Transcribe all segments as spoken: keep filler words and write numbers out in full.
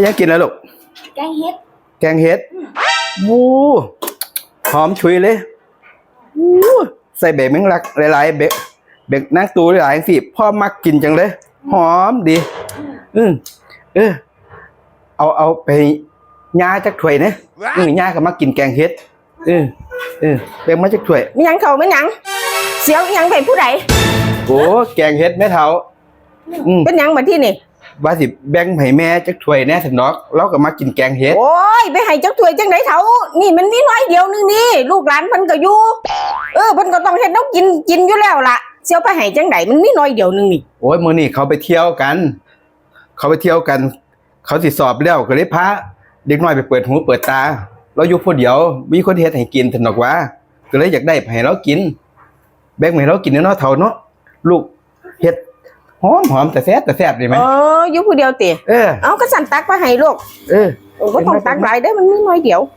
พี่ยังกินแล้วลูกแกงเห็ดแกงเห็ดวู้หอมฉุยเลยวู้ใส่เบรกแมงลักหลายๆเบรกเบรกนักตูหลายสิพ่อมักกินจังเลยหอมดีอืมเออเอาเอาไปย่าจักถ้วยนะอือย่าก็มักกินแกงเห็ดเออเออแบ่งมาจักถ้วยไม่ยังเขาไม่ยังเสียวยังไปผู้ใดโอ้แกงเห็ดแม่เฒ่าอืมเป็นยังมาที่นี่ว่าสิแบ่งให้แม่จักถ้วยแน่ถึงนอกเราก็มากินแกงเห็ดโอ้ยไปให้จักถ้วยจังไดเฒ่านี่มันมีน้อยเดียวนึงนี่ลูกหลานเพิ่นก็อยู่เออเพิ่นก็ต้องเฮ็ดน้ำกินกินอยู่แล้วล่ะเสียวไปให้จังไดมันมีน้อยเดียวนึงนี่โอ้ยมื้อนี้เขาไปเที่ยวกันเขาไปเที่ยวกันเขาสิสอบแล้วก็เลยพาเด็กน้อยไปเปิดหูเปิดตาเราอยู่ผู้เดียวมีคนเฮ็ดให้กินถึงนอกว่าก็เลยอยากได้ให้เรากินแบ่งให้เรากินเนาะเฒ่าเนาะลูกเฮ็ดหอมหอมแต่แซ่บแต่แซ่บดีไหมเอออยู่ผู้เดียวติเออเอาก็สั่นตักไปให้ลูกเออก็ต้องตักหลายเด้อมันมีน้อยเดียว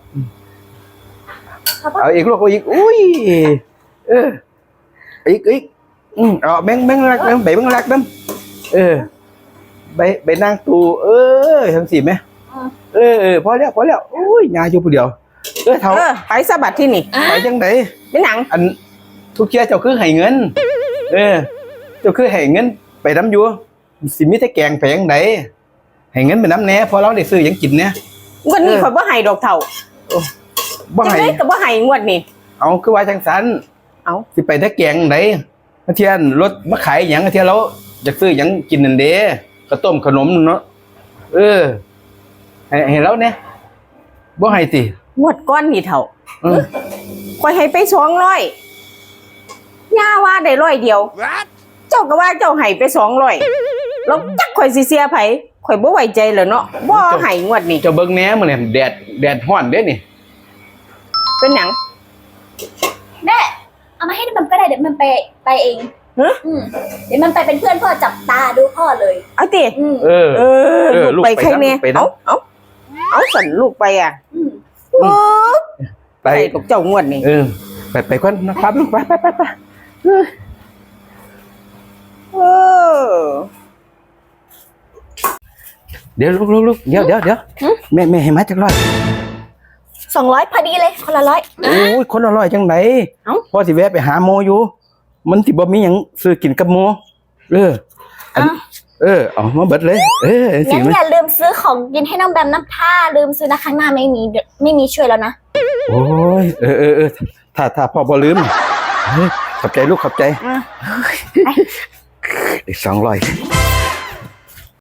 เอาอีกลูกเอาอีกอุ้ยเอออีกอีกอืมเอาแบ่งแบ่งรักน้ำใบแบ่งรักน้ำเออใบใบนางตูเออทั้งสี่ไหมเออเออพอแล้วพอแล้วอุ้ยยาอยู่ผู้เดียวเออเฒ่าเออไปสะบัดที่นี่ไปจังไดเป็นหนังอันทุกเที่ยเจ้าคือให้เงินเออเจ้าคือให้เงินไปน้ำอยู่สิมีแต่แกงไปยังไดให้เงินไปน้ำแหน่พอเราได้ซื้อยังกินเนี่ยงวดนี้ข่อยบ่ให้ดอกเฒ่าบ่ให้จังได๋ก็บ่ให้งวดนี้เอาคือว่าจังซั่นเอาสิไปแต่แกงไดเที่ยนรถมาขายหยังเที่ยเราอยากซื้อหยังกินนั่นเด้ข้าวต้มขนมเนาะเออให้ให้เราเนี่ยบ่ให้ติงวดก้อนนี่เฒ่าข่อยให้ไปสองร้อยย่าว่าได้ร้อยเดียวเจ้าก็ว่าเจ้าให้ไปสองร้อยแล้วจักข่อยสิเสียไผข่อยบ่ไว้ใจแล้วเนาะบ่ให้งวดนี้เจ้าเบิ่งแหน่มื้อนี้แดดแดดร้อนเด้นี่เป็นหยังแม่เอามาให้มันก็ได้เดี๋ยวมันไปไปเองฮะอืมเดี๋ยวมันไปเป็นเพื่อนพ่อจับตาดูพ่อเลยเอาติเออเออลูกไปใครแน่เอาเอาเอาสั่นลูกไปอ่ะโอ้ไปกับเจ้างวดนี่เออไปไปก่อนนะครับลูกไปไปไปไปเออเดี๋ยวลูกลูกลูกเดี๋ยวเดี๋ยวเดี๋ยวแม่แม่ให้มาจักร้อยสองร้อยพอดีเลยคนละร้อยโอ้ยคนละร้อยจังไดเอ้าพอสิแวะไปหาโมอยู่มันสิบ่มีหยังซื้อกินกับโมเออเออเอามาเบิดเลยเอองั้นอย่าลืมซื้อของกินให้น้องแบมน้ำท่าลืมซื้อนะครั้งหน้าไม่มีไม่มีช่วยแล้วนะโอ้ยเออเออเออถ้าถ้าพ่อบ่ลืมขอบใจลูกขอบใจอีกสองร้อย